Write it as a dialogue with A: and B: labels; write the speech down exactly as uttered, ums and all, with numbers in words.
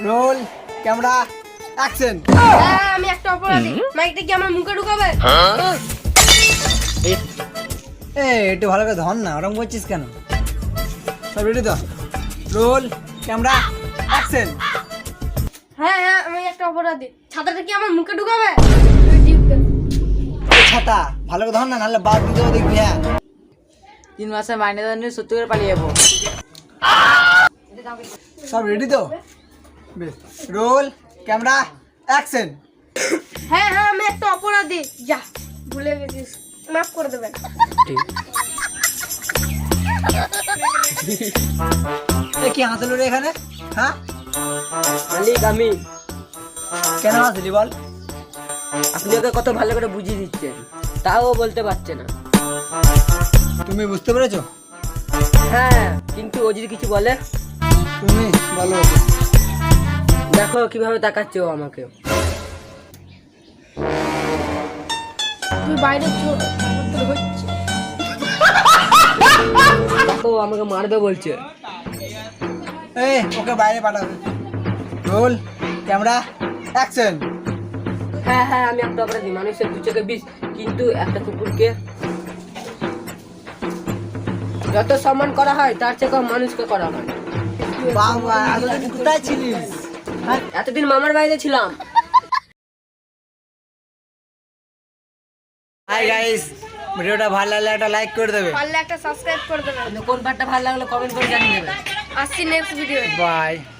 A: Role camera action.
B: হ্যাঁ আমি একটা অপরাধী, মাইকটা কি আমার মুখে ঢুকাবে?
A: এ একটু ভালো করে ধর না, ওরকম করছিস কেন? সব রেডি তো? Roll camera action.
B: হ্যাঁ হ্যাঁ আমি একটা অপরাধী, ছাতাটা কি আমার মুখে ঢুকাবে?
A: ছাতা ভালো করে ধর না, নাহলে বাদ দিতে হবে দেখবি। হ্যাঁ
C: তিন মাসের মাইনে দেওয়া নিয়ে সত্যি করে পালিয়ে যাবো।
A: সব রেডি তো? বেশ, রোল ক্যামেরা অ্যাকশন।
B: হ্যাঁ হ্যাঁ আমি একটা অপরাধী, যা ভুলে গেছিস, মাফ করে দেবেন।
A: এ কি হাসলো রে এখানে? হ্যাঁ
C: মালিক আমি।
A: কেন হাসলি বল?
C: আপনি ওকে কত ভালো করে বুঝিয়ে দিচ্ছেন, তাও ও বলতে পারছে না।
A: তুমি বুঝতে পেরেছো?
C: হ্যাঁ কিন্তু ও যদি কিছু বলে?
A: তুমি বলো।
C: দেখো কিভাবে তাকাচ্ছে ও আমাকে।
B: তুই বাইরে চল, আমার তো হচ্ছে।
C: দেখো ও আমাকে মারবে বলছে।
A: এই ওকে বাইরে পাঠাবে। Roll camera action.
C: হ্যাঁ হ্যাঁ আমি একটা অপরাধী, মানুষের দু চোখে বিষ, কিন্তু একটা কুকুরকে যত সম্মান করা হয় তার চেয়ে কম মানুষকে করা হয়।
A: বাবা এতদিন কোথায় ছিলিস?
C: হ্যাঁ এতদিন মামার বাড়িতে ছিলাম।
A: হাই গাইস, ভিডিওটা ভালো লাগলে একটা লাইক করে দেবে।
B: পারলে একটা সাবস্ক্রাইব করে দেবেন।
C: কোন পার্টটা ভালো লাগলো কমেন্ট করে জানিয়ে দেবেন।
B: আসছি নেক্সট ভিডিও।
A: বাই।